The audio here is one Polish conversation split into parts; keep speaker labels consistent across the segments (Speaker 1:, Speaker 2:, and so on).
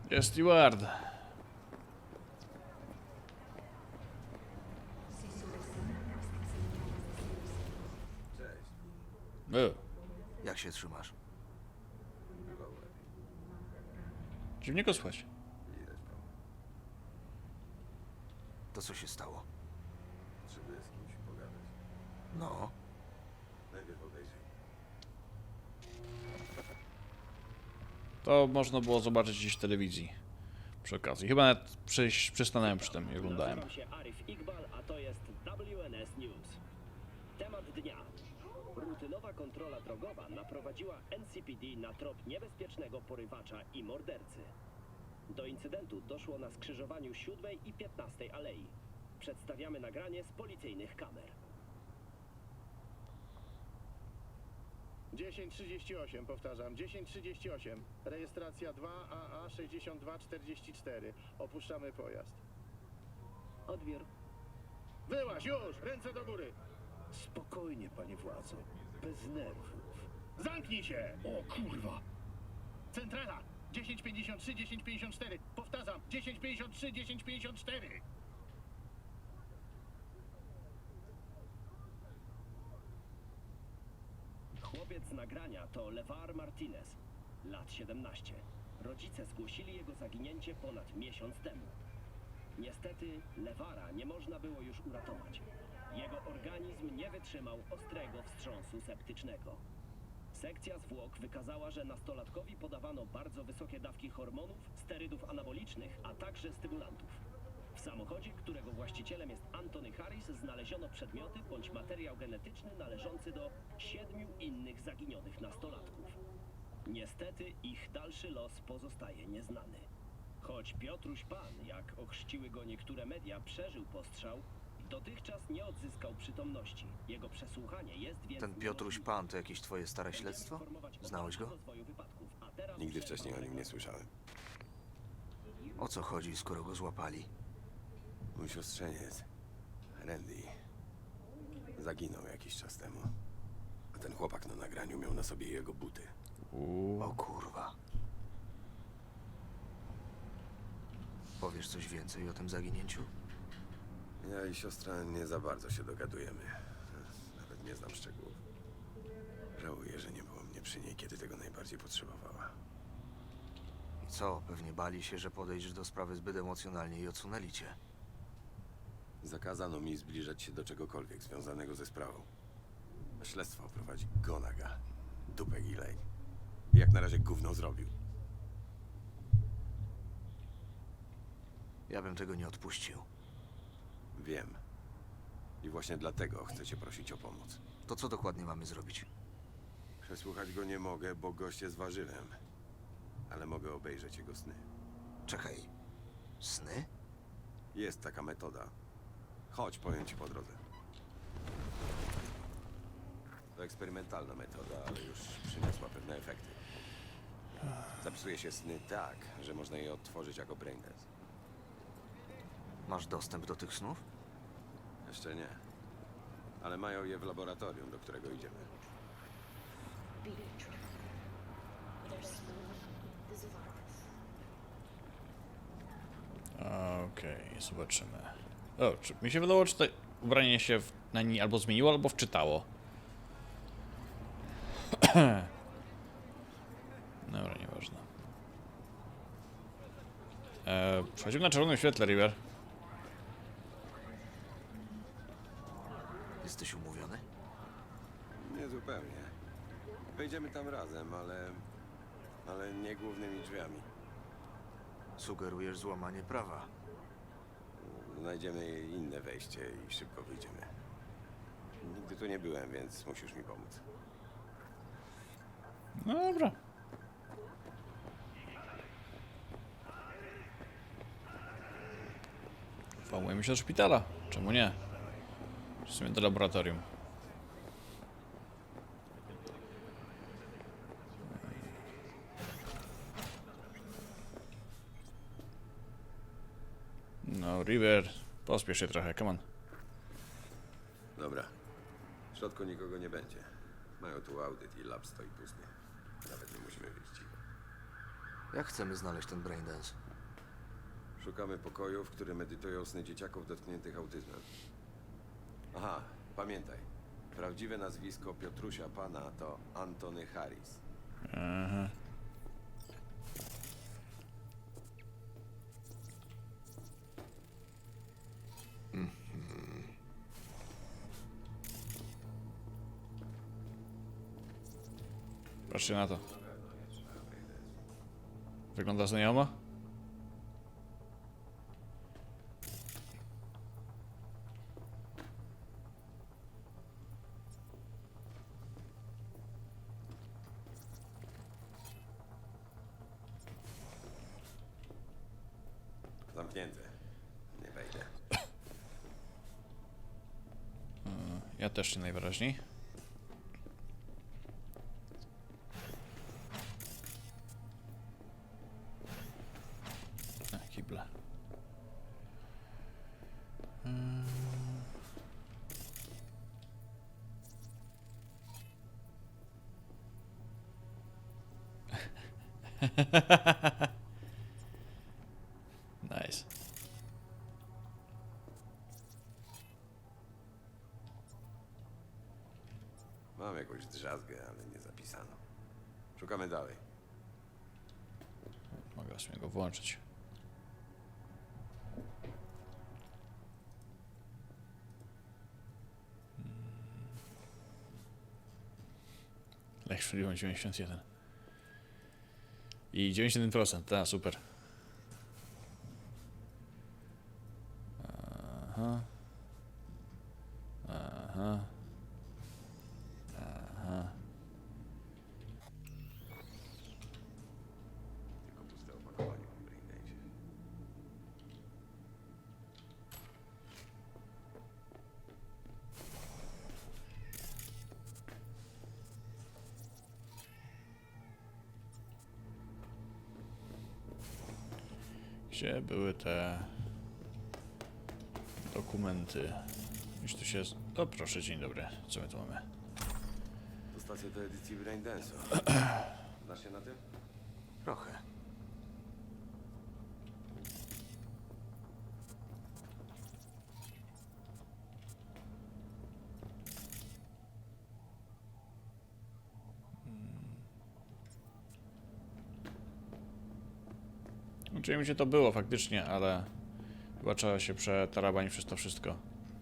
Speaker 1: Jest steward.
Speaker 2: Cześć. Jak się trzymasz?
Speaker 1: Dziwnie go słychać.
Speaker 2: To co się stało?
Speaker 3: Potrzebuję z kimś pogadać.
Speaker 2: No,
Speaker 3: Najpierw obejrzyj.
Speaker 1: To można było zobaczyć gdzieś w telewizji. Przy okazji. Chyba nawet przystanąłem przy tym i oglądałem.
Speaker 4: Nazywam się Arif Iqbal, a to jest WNS News. Temat dnia. Rutynowa kontrola drogowa naprowadziła NCPD na trop niebezpiecznego porywacza i mordercy. Do incydentu doszło na skrzyżowaniu 7 i 15 alei. Przedstawiamy nagranie z policyjnych kamer.
Speaker 5: 1038, powtarzam, 1038. Rejestracja 2AA 6244. Opuszczamy pojazd.
Speaker 4: Odbiór.
Speaker 5: Wyłaź już! Ręce do góry!
Speaker 6: Spokojnie, panie władzo. Bez nerwów.
Speaker 5: Zamknij się! O kurwa! Centrala! 1053, 1054. Powtarzam, 1053, 1054.
Speaker 4: Chłopiec z nagrania to LeVar Martinez, lat 17. Rodzice zgłosili jego zaginięcie ponad miesiąc temu. Niestety LeVara nie można było już uratować. Jego organizm nie wytrzymał ostrego wstrząsu septycznego. Sekcja zwłok wykazała, że nastolatkowi podawano bardzo wysokie dawki hormonów, sterydów anabolicznych, a także stymulantów. W samochodzie, którego właścicielem jest Anthony Harris, znaleziono przedmioty bądź materiał genetyczny należący do 7 innych zaginionych nastolatków. Niestety ich dalszy los pozostaje nieznany. Choć Piotruś Pan, jak ochrzciły go niektóre media, przeżył postrzał, dotychczas nie odzyskał przytomności. Jego przesłuchanie jest więc...
Speaker 2: ten Piotruś Pan to jakieś twoje stare śledztwo? Znałeś go?
Speaker 3: Nigdy wcześniej o nim nie słyszałem.
Speaker 2: O co chodzi, skoro go złapali?
Speaker 3: Mój siostrzeniec, Randy, zaginął jakiś czas temu. A ten chłopak na nagraniu miał na sobie jego buty.
Speaker 2: O kurwa. Powiesz coś więcej o tym zaginięciu?
Speaker 3: Ja i siostra nie za bardzo się dogadujemy. Nawet nie znam szczegółów. Żałuję, że nie było mnie przy niej, kiedy tego najbardziej potrzebowała.
Speaker 2: I co, pewnie bali się, że podejdziesz do sprawy zbyt emocjonalnie i odsunęli cię.
Speaker 3: Zakazano mi zbliżać się do czegokolwiek związanego ze sprawą. Śledztwo prowadzi Gonaga, dupek i lej. Jak na razie gówno zrobił.
Speaker 2: Ja bym tego nie odpuścił.
Speaker 3: Wiem. I właśnie dlatego chcę cię prosić o pomoc.
Speaker 2: To co dokładnie mamy zrobić?
Speaker 3: Przesłuchać go nie mogę, bo gość jest warzywem. Ale mogę obejrzeć jego sny.
Speaker 2: Czekaj. Sny?
Speaker 3: Jest taka metoda. Chodź, powiem ci po drodze. To eksperymentalna metoda, ale już przyniosła pewne efekty. Zapisuje się sny tak, że można je odtworzyć jako braindance.
Speaker 2: Masz dostęp do tych snów?
Speaker 3: Jeszcze nie. Ale mają je w laboratorium, do którego idziemy.
Speaker 1: Okej, zobaczymy. O, czy mi się wydało, czy to ubranie się na niej albo zmieniło, albo wczytało. Dobra, nieważne. Przechodzimy na czerwonym świetle, River.
Speaker 2: Jesteś umówiony?
Speaker 3: Nie zupełnie. Wejdziemy tam razem, ale nie głównymi drzwiami.
Speaker 2: Sugerujesz złamanie prawa.
Speaker 3: Znajdziemy inne wejście i szybko wyjdziemy. Nigdy tu nie byłem, więc musisz mi pomóc.
Speaker 1: No dobra. Włamujemy się do szpitala. Czemu nie? W sumie do laboratorium. No, River, pospiesz się trochę, come on.
Speaker 3: Dobra. W środku nikogo nie będzie. Mają tu audyt i lab stoi pusty. Nawet nie musimy być cicho.
Speaker 2: Jak chcemy znaleźć ten Braindance?
Speaker 3: Szukamy pokoju, w którym medytują sny dzieciaków dotkniętych autyzmem. Aha, pamiętaj. Prawdziwe nazwisko Piotrusia Pana to Antony Harris.
Speaker 1: Aha. Patrzcie na to. Wygląda znajomo?
Speaker 3: Zamknięte. Nie wejdę.
Speaker 1: Ja też nie najwyraźniej. Kible. Nice.
Speaker 3: Mam jakąś drzazgę, ale nie zapisano. Szukamy dalej.
Speaker 1: Mogę sobie go włączyć. Lech 91. I 91%, tak, super. Aha. Aha. Aha.
Speaker 3: Tylko puste opakowanie w Braindance'ie.
Speaker 1: Gdzie były te dokumenty? Już tu się... O proszę, dzień dobry. Co my tu mamy?
Speaker 3: To stacja do edycji Braindance'u. Znasz się na tym?
Speaker 2: Trochę.
Speaker 1: Uczyłem mi się to było faktycznie, ale chyba trzeba się przetarabanić przez to wszystko.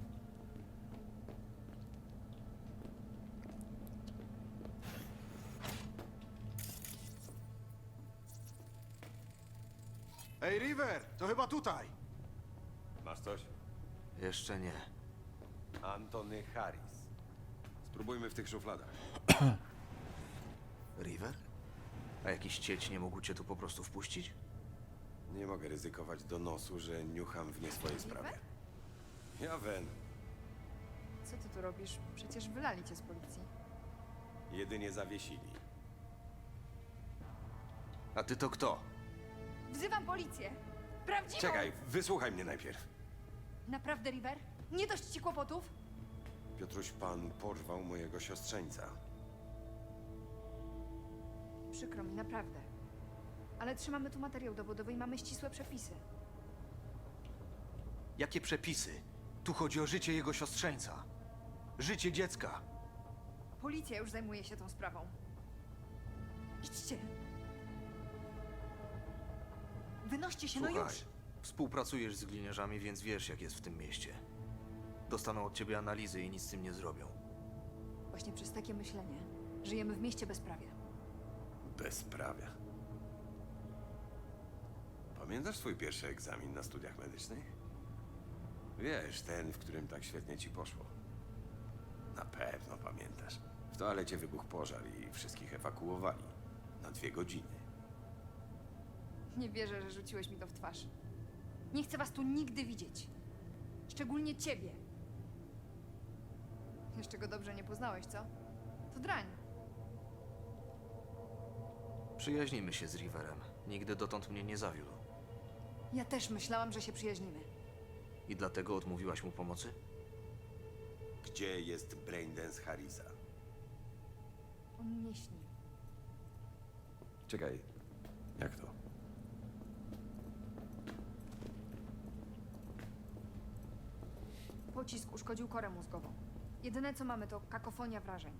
Speaker 7: Ej, River, to chyba tutaj.
Speaker 3: Masz coś?
Speaker 2: Jeszcze nie.
Speaker 3: Antony Harris. Spróbujmy w tych szufladach.
Speaker 2: River? A jakiś cieć nie mógł cię tu po prostu wpuścić?
Speaker 3: Nie mogę ryzykować donosu, że niucham w nie swojej sprawie. Ja Wen.
Speaker 8: Co ty tu robisz? Przecież wylali cię z policji.
Speaker 3: Jedynie zawiesili.
Speaker 2: A ty to kto?
Speaker 8: Wzywam policję! Prawdziwą!
Speaker 3: Czekaj, wysłuchaj mnie najpierw.
Speaker 8: Naprawdę, River? Nie dość ci kłopotów?
Speaker 3: Piotruś Pan porwał mojego siostrzeńca.
Speaker 8: Przykro mi, naprawdę. Ale trzymamy tu materiał dowodowy i mamy ścisłe przepisy.
Speaker 2: Jakie przepisy? Tu chodzi o życie jego siostrzeńca. Życie dziecka.
Speaker 8: Policja już zajmuje się tą sprawą. Idźcie! Wynoście się, no
Speaker 2: Słuchaj,
Speaker 8: już!
Speaker 2: współpracujesz z gliniarzami, więc wiesz, jak jest w tym mieście. Dostaną od ciebie analizy i nic z tym nie zrobią.
Speaker 8: Właśnie przez takie myślenie żyjemy w mieście bezprawia.
Speaker 3: Bezprawia. Pamiętasz swój pierwszy egzamin na studiach medycznych? Wiesz, ten, w którym tak świetnie ci poszło. Na pewno pamiętasz. W toalecie wybuchł pożar i wszystkich ewakuowali. Na 2 godziny.
Speaker 8: Nie wierzę, że rzuciłeś mi to w twarz. Nie chcę was tu nigdy widzieć. Szczególnie ciebie. Jeszcze go dobrze nie poznałeś, co? To drań.
Speaker 2: Przyjaźnimy się z Riverem. Nigdy dotąd mnie nie zawiódł.
Speaker 8: Ja też myślałam, że się przyjaźnimy.
Speaker 2: I dlatego odmówiłaś mu pomocy?
Speaker 3: Gdzie jest Braindance Harrisa?
Speaker 8: On nie śni.
Speaker 3: Czekaj, jak to?
Speaker 8: pocisk uszkodził korę mózgową. Jedyne co mamy to kakofonia wrażeń.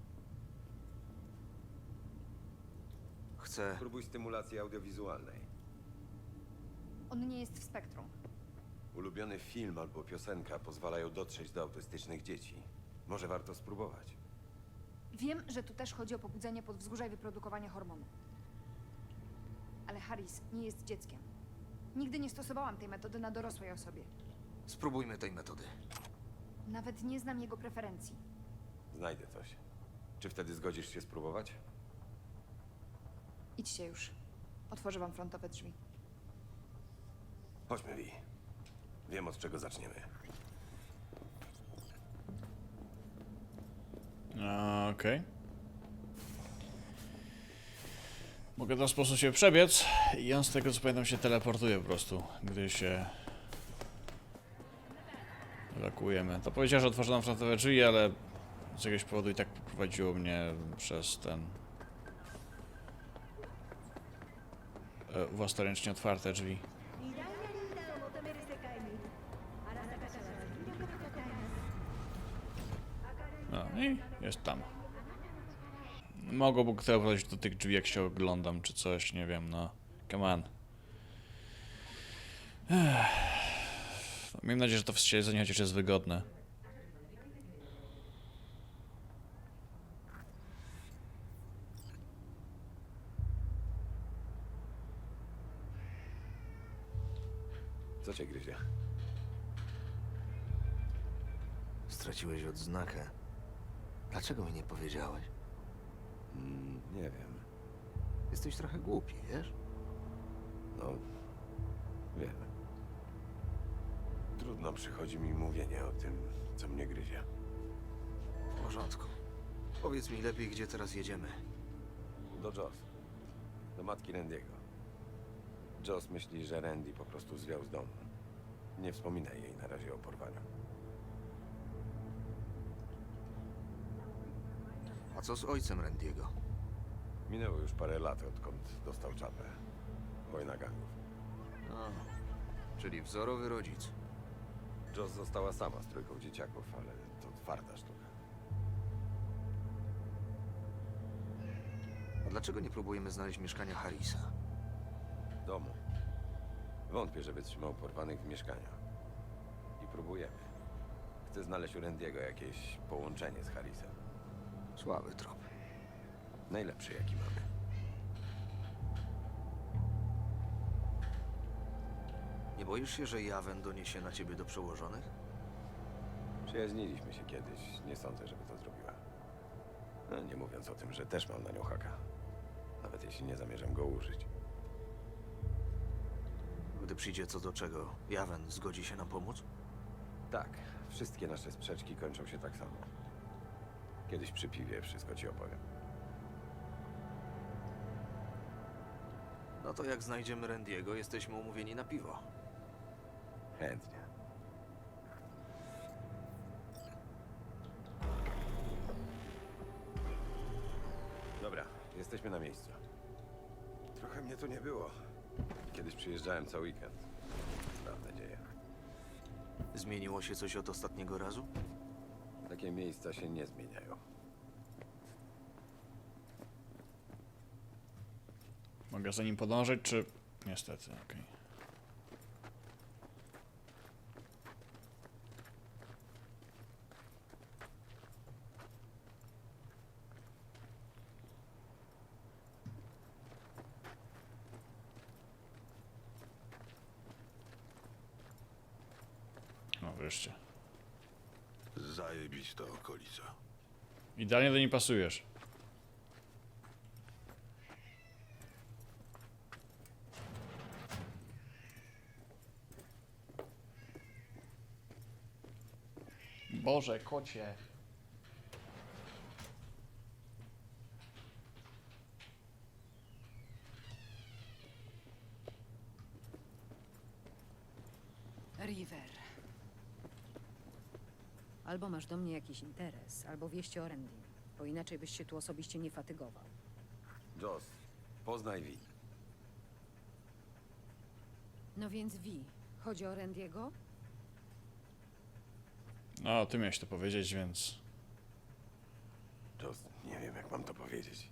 Speaker 2: Chcę...
Speaker 3: Spróbuj stymulacji audiowizualnej.
Speaker 8: On nie jest w spektrum.
Speaker 3: Ulubiony film albo piosenka pozwalają dotrzeć do autystycznych dzieci. Może warto spróbować.
Speaker 8: Wiem, że tu też chodzi o pobudzenie podwzgórza i wyprodukowanie hormonu. Ale Harris nie jest dzieckiem. Nigdy nie stosowałam tej metody na dorosłej osobie.
Speaker 2: Spróbujmy tej metody.
Speaker 8: Nawet nie znam jego preferencji.
Speaker 3: Znajdę coś. Czy wtedy zgodzisz się spróbować?
Speaker 8: Idźcie już. Otworzę wam frontowe drzwi.
Speaker 3: Chodźmy, Vi. Wiem, od czego zaczniemy.
Speaker 1: Okej. Mogę w ten sposób się przebiec i on z tego co pamiętam się teleportuje po prostu, gdy się ewakuujemy. To powiedział, że otworzę nam frontowe drzwi, ale z jakiegoś powodu i tak poprowadziło mnie przez ten... własnoręcznie otwarte drzwi. No i jest tam. Mogłoby teleportować do tych drzwi, jak się oglądam, czy coś, nie wiem, no. Come on. Mam nadzieję, że to siedzenie chociaż jest wygodne.
Speaker 3: Co cię gryzie?
Speaker 2: Straciłeś odznakę. Dlaczego mi nie powiedziałeś?
Speaker 3: Nie wiem.
Speaker 2: Jesteś trochę głupi, wiesz?
Speaker 3: No, wiem. Trudno przychodzi mi mówienie o tym, co mnie gryzie.
Speaker 2: W porządku. Powiedz mi lepiej, gdzie teraz jedziemy.
Speaker 3: Do Joss. Do matki Randy'ego. Joss myśli, że Randy po prostu zwiał z domu. Nie wspominaj jej na razie o porwaniu.
Speaker 2: A co z ojcem Randy'ego?
Speaker 3: Minęło już parę lat, odkąd dostał czapę. Wojna gangów.
Speaker 2: A, czyli wzorowy rodzic.
Speaker 3: Joss została sama z trójką dzieciaków, ale to twarda sztuka.
Speaker 2: A dlaczego nie próbujemy znaleźć mieszkania Harrisa?
Speaker 3: Domu. Wątpię, żeby trzymał porwanych w mieszkaniu. I próbujemy. Chcę znaleźć u Randy'ego jakieś połączenie z Harrisem.
Speaker 2: Słaby trop.
Speaker 3: Najlepszy, jaki mamy.
Speaker 2: Nie boisz się, że Jawen doniesie na ciebie do przełożonych?
Speaker 3: Przyjaźniliśmy się kiedyś. Nie sądzę, żeby to zrobiła. No, nie mówiąc o tym, że też mam na nią haka. Nawet jeśli nie zamierzam go użyć.
Speaker 2: Gdy przyjdzie co do czego, Jawen zgodzi się nam pomóc?
Speaker 3: Tak, wszystkie nasze sprzeczki kończą się tak samo. Kiedyś przy piwie wszystko ci opowiem.
Speaker 2: No to jak znajdziemy Randy'ego, jesteśmy umówieni na piwo.
Speaker 3: Chętnie. Dobra, jesteśmy na miejscu. Trochę mnie tu nie było. Kiedyś przyjeżdżałem co weekend. Mam nadzieję.
Speaker 2: Zmieniło się coś od ostatniego razu?
Speaker 3: Takie miejsca się nie zmieniają.
Speaker 1: Mogę za nim podążać, czy... Niestety, okej. No wreszcie.
Speaker 6: Zajebista okolica.
Speaker 1: Idealnie do niej pasujesz. Boże, kocie.
Speaker 9: River. Albo masz do mnie jakiś interes, albo wieści o Randy, bo inaczej byś się tu osobiście nie fatygował.
Speaker 3: Joss, poznaj Vi.
Speaker 9: No więc Vi, chodzi o Randy'ego?
Speaker 1: No, ty miałeś to powiedzieć, więc...
Speaker 3: Joss, nie wiem jak mam to powiedzieć.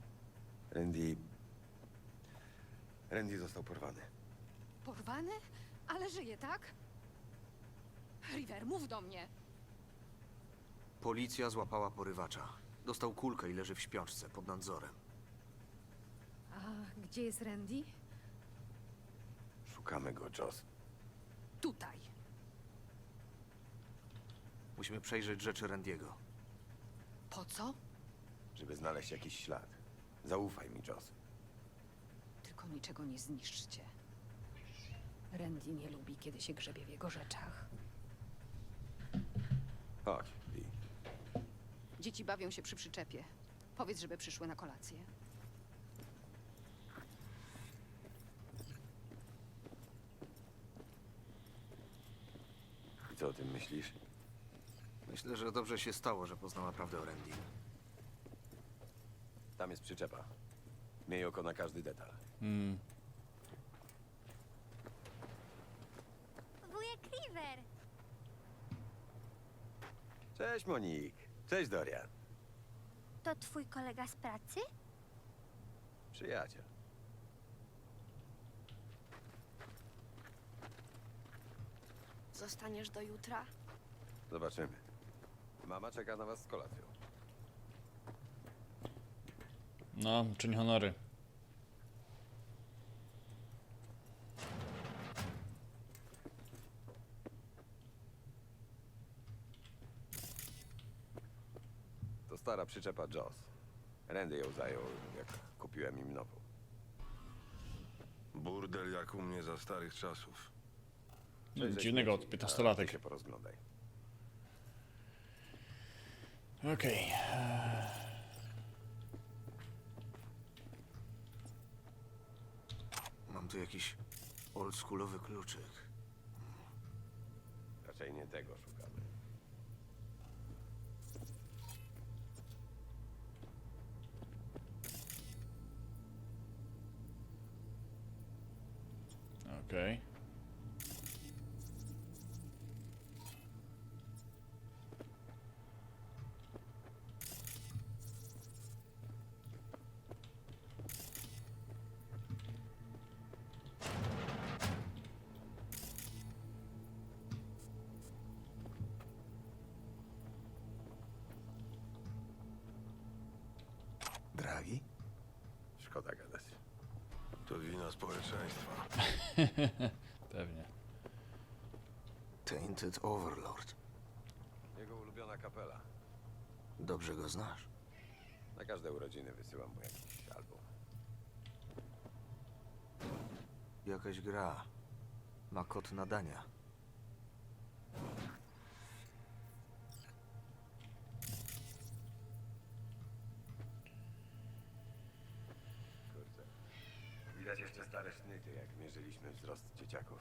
Speaker 3: Randy został porwany.
Speaker 9: Porwany? Ale żyje, tak? River, mów do mnie.
Speaker 2: Policja złapała porywacza. Dostał kulkę i leży w śpiączce pod nadzorem.
Speaker 9: A gdzie jest Randy?
Speaker 3: Szukamy go, Joss.
Speaker 9: Tutaj.
Speaker 2: Musimy przejrzeć rzeczy Randiego.
Speaker 9: Po co?
Speaker 3: Żeby znaleźć jakiś ślad. Zaufaj mi, Joss.
Speaker 9: Tylko niczego nie zniszczcie. Randy nie lubi, kiedy się grzebie w jego rzeczach.
Speaker 3: Chodź, Lee.
Speaker 9: Dzieci bawią się przy przyczepie. Powiedz, żeby przyszły na kolację.
Speaker 3: I co o tym myślisz?
Speaker 2: Myślę, że dobrze się stało, że poznała prawdę o Randim.
Speaker 3: Tam jest przyczepa. Miej oko na każdy detal.
Speaker 10: Wujek River!
Speaker 3: Cześć, Monik. Cześć, Dorian.
Speaker 10: To twój kolega z pracy?
Speaker 3: Przyjaciel.
Speaker 10: Zostaniesz do jutra?
Speaker 3: Zobaczymy. Mama czeka na was z kolacją.
Speaker 1: No, czyń honory.
Speaker 3: To stara przyczepa Joss. Randy ją zajął, jak kupiłem im nową.
Speaker 11: Burdel jak u mnie za starych czasów.
Speaker 1: Dziwnego od
Speaker 3: Ty
Speaker 1: 15-latek.
Speaker 3: się porozglądaj.
Speaker 1: Okej.
Speaker 2: Mam tu jakiś oldschoolowy kluczyk.
Speaker 3: Raczej nie tego szukamy.
Speaker 1: Okej.
Speaker 2: Dragi?
Speaker 3: Szkoda gadać.
Speaker 11: To wina społeczeństwa.
Speaker 1: Pewnie.
Speaker 2: Tainted Overlord.
Speaker 3: Jego ulubiona kapela.
Speaker 2: Dobrze go znasz?
Speaker 3: Na każde urodziny wysyłam mu jakiś album.
Speaker 2: Jakaś gra. Ma kod nadania.
Speaker 3: Kurczę. Widać jeszcze stare sznyty, jak mierzyliśmy wzrost dzieciaków.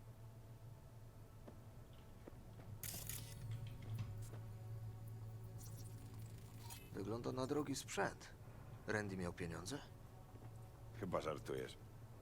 Speaker 2: Wygląda na drogi sprzęt. Randy miał pieniądze?
Speaker 3: Chyba żartujesz.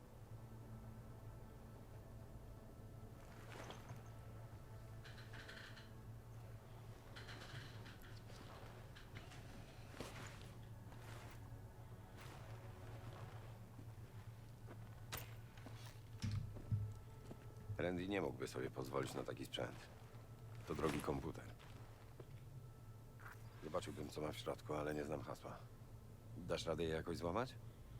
Speaker 3: Randy nie mógłby sobie pozwolić na taki sprzęt. To drogi komputer. Zobaczyłbym, co ma w środku, ale nie znam hasła. Dasz radę je jakoś złamać?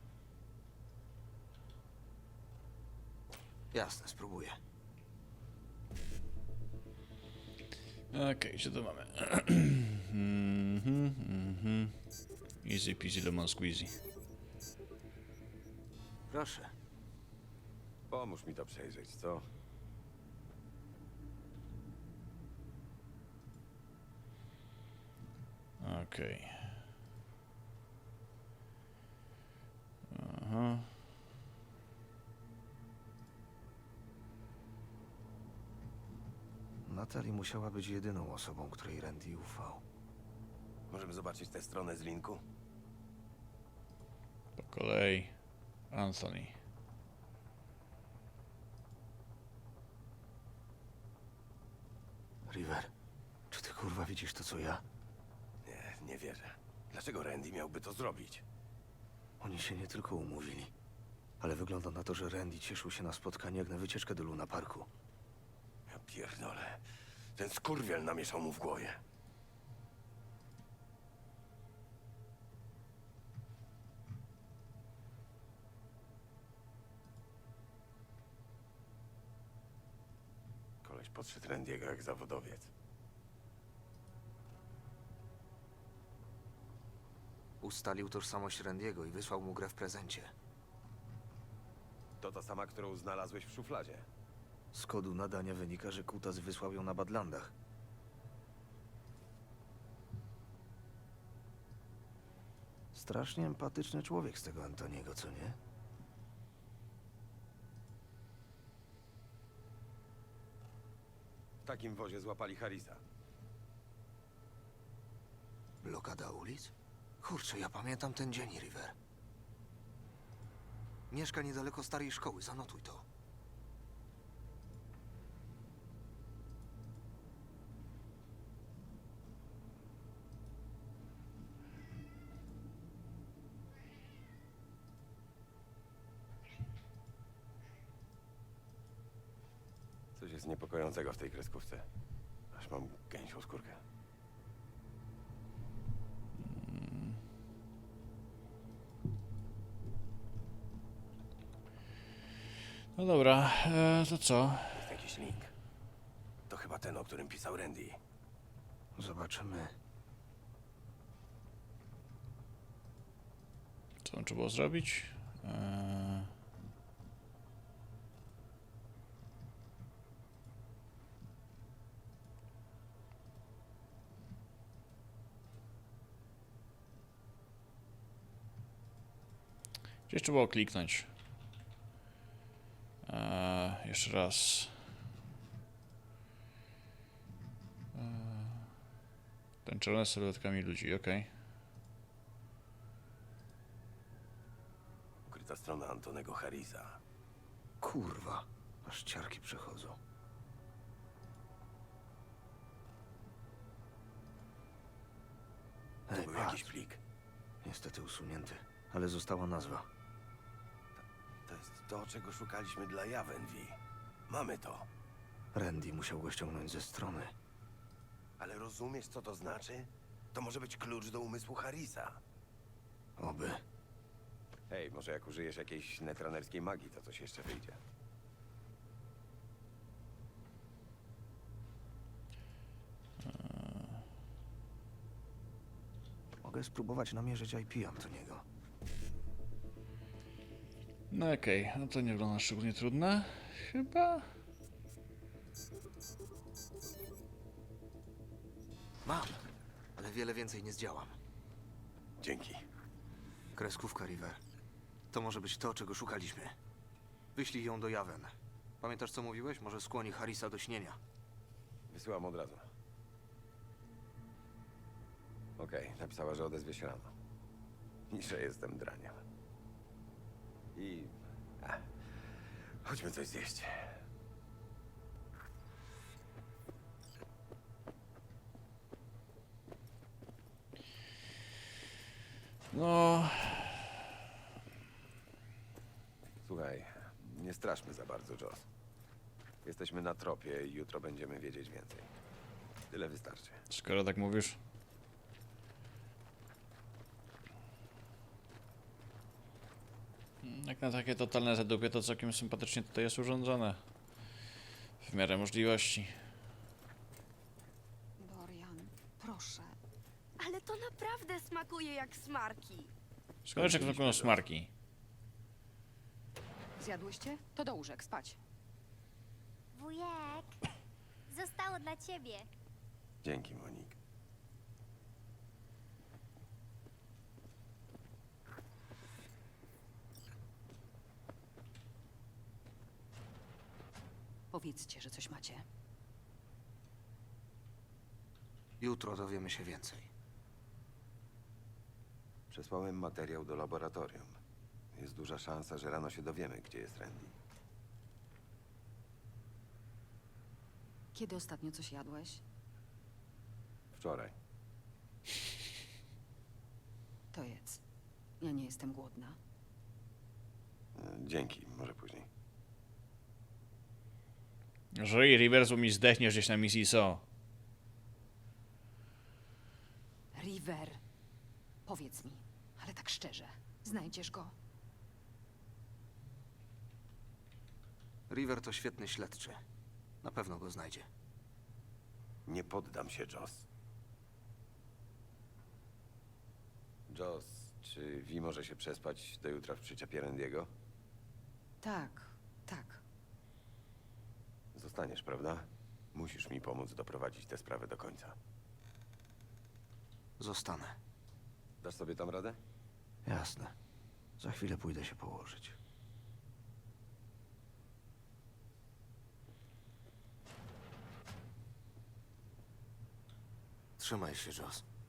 Speaker 2: Jasne, spróbuję.
Speaker 1: Okej, co tu mamy? Easy peasy lemon squeezy.
Speaker 2: Proszę.
Speaker 3: Pomóż mi to przejrzeć, co?
Speaker 1: Okej. Aha.
Speaker 2: Natalie musiała być jedyną osobą, której Randy ufał.
Speaker 3: Możemy zobaczyć tę stronę z linku?
Speaker 1: Po kolei. Anthony.
Speaker 2: River, czy ty Kurwa, widzisz to co ja?
Speaker 3: Nie wierzę. Dlaczego Randy miałby to zrobić?
Speaker 2: Oni się nie tylko umówili, ale wygląda na to, że Randy cieszył się na spotkanie jak na wycieczkę do Luna Parku.
Speaker 3: Ja pierdolę. Ten skurwiel namieszał mu w głowie. Koleś podszedł Randy'ego jak zawodowiec.
Speaker 2: Ustalił tożsamość Randy'ego i wysłał mu grę w prezencie.
Speaker 3: To ta sama, którą znalazłeś w szufladzie.
Speaker 2: Z kodu nadania wynika, że Kutas wysłał ją na Badlandach. Strasznie empatyczny człowiek z tego Antoniego, co nie?
Speaker 3: W takim wozie złapali Harrisa.
Speaker 2: Blokada ulic? Kurczę, ja pamiętam ten dzień, River. Mieszka niedaleko starej szkoły, zanotuj to.
Speaker 3: Coś jest niepokojącego w tej kreskówce. Aż mam gęsią skórkę.
Speaker 1: No dobra, to co?
Speaker 3: Jest jakiś link. To chyba ten, o którym pisał Randy.
Speaker 2: Zobaczymy.
Speaker 1: Co tam trzeba było zrobić? Gdzieś trzeba było kliknąć. Jeszcze raz. Tańczone z sylwetkami ludzi, okej.
Speaker 3: Ukryta strona Antonego Harrisa.
Speaker 2: Kurwa, aż ciarki przechodzą.
Speaker 3: To
Speaker 2: Ej,
Speaker 3: był
Speaker 2: patrz.
Speaker 3: jakiś plik.
Speaker 2: Niestety usunięty, ale została nazwa.
Speaker 3: To jest to, czego szukaliśmy dla Javenvi. Mamy to.
Speaker 2: Randy musiał go ściągnąć ze strony.
Speaker 3: Ale rozumiesz, co to znaczy? To może być klucz do umysłu Harrisa.
Speaker 2: Oby.
Speaker 3: Hej, może jak użyjesz jakiejś netranerskiej magii, to coś jeszcze wyjdzie.
Speaker 2: Mogę spróbować namierzyć IP Antoniego.
Speaker 1: No okej, no to nie wygląda szczególnie trudne. Chyba.
Speaker 2: Mam, ale wiele więcej nie zdziałam.
Speaker 3: Dzięki.
Speaker 2: Kreskówka, River. To może być to, czego szukaliśmy. Wyślij ją do Javen. Pamiętasz, co mówiłeś? Może skłoni Harrisa do śnienia.
Speaker 3: Wysyłam od razu. Okej, napisała, że odezwie się rano. I że jestem draniem. I... chodźmy coś zjeść.
Speaker 1: No.
Speaker 3: Słuchaj, nie straszmy za bardzo, Joss. Jesteśmy na tropie i jutro będziemy wiedzieć więcej. Tyle wystarczy.
Speaker 1: Skoro tak mówisz. Jak na takie totalne zadupie, to całkiem sympatycznie tutaj jest urządzone. W miarę możliwości.
Speaker 9: Dorian, proszę.
Speaker 10: Ale to naprawdę smakuje jak smarki.
Speaker 1: Skoro jak wyglądają smarki.
Speaker 9: Zjadłyście? To do łóżek, spać.
Speaker 10: Wujek, zostało dla ciebie.
Speaker 3: Dzięki, Monik.
Speaker 9: Powiedzcie, że coś macie.
Speaker 2: Jutro dowiemy się więcej.
Speaker 3: Przesłałem materiał do laboratorium. Jest duża szansa, że rano się dowiemy, gdzie jest Randy.
Speaker 9: Kiedy ostatnio coś jadłeś?
Speaker 3: Wczoraj.
Speaker 9: To jedz. Ja nie jestem głodna.
Speaker 3: Dzięki, może później.
Speaker 1: Żyj, Rivers, bo mi zdechniesz gdzieś na misji SO.
Speaker 9: River, powiedz mi, ale tak szczerze, znajdziesz go?
Speaker 2: River to świetny śledczy. Na pewno go znajdzie.
Speaker 3: Nie poddam się, Joss. Joss, czy Vi może się przespać do jutra w przyczepie Randiego?
Speaker 9: Tak, tak.
Speaker 3: Zostaniesz, prawda? Musisz mi pomóc doprowadzić tę sprawę do końca.
Speaker 2: Zostanę.
Speaker 3: Dasz sobie tam radę?
Speaker 2: Jasne. Za chwilę pójdę się położyć. Trzymaj się, Joss.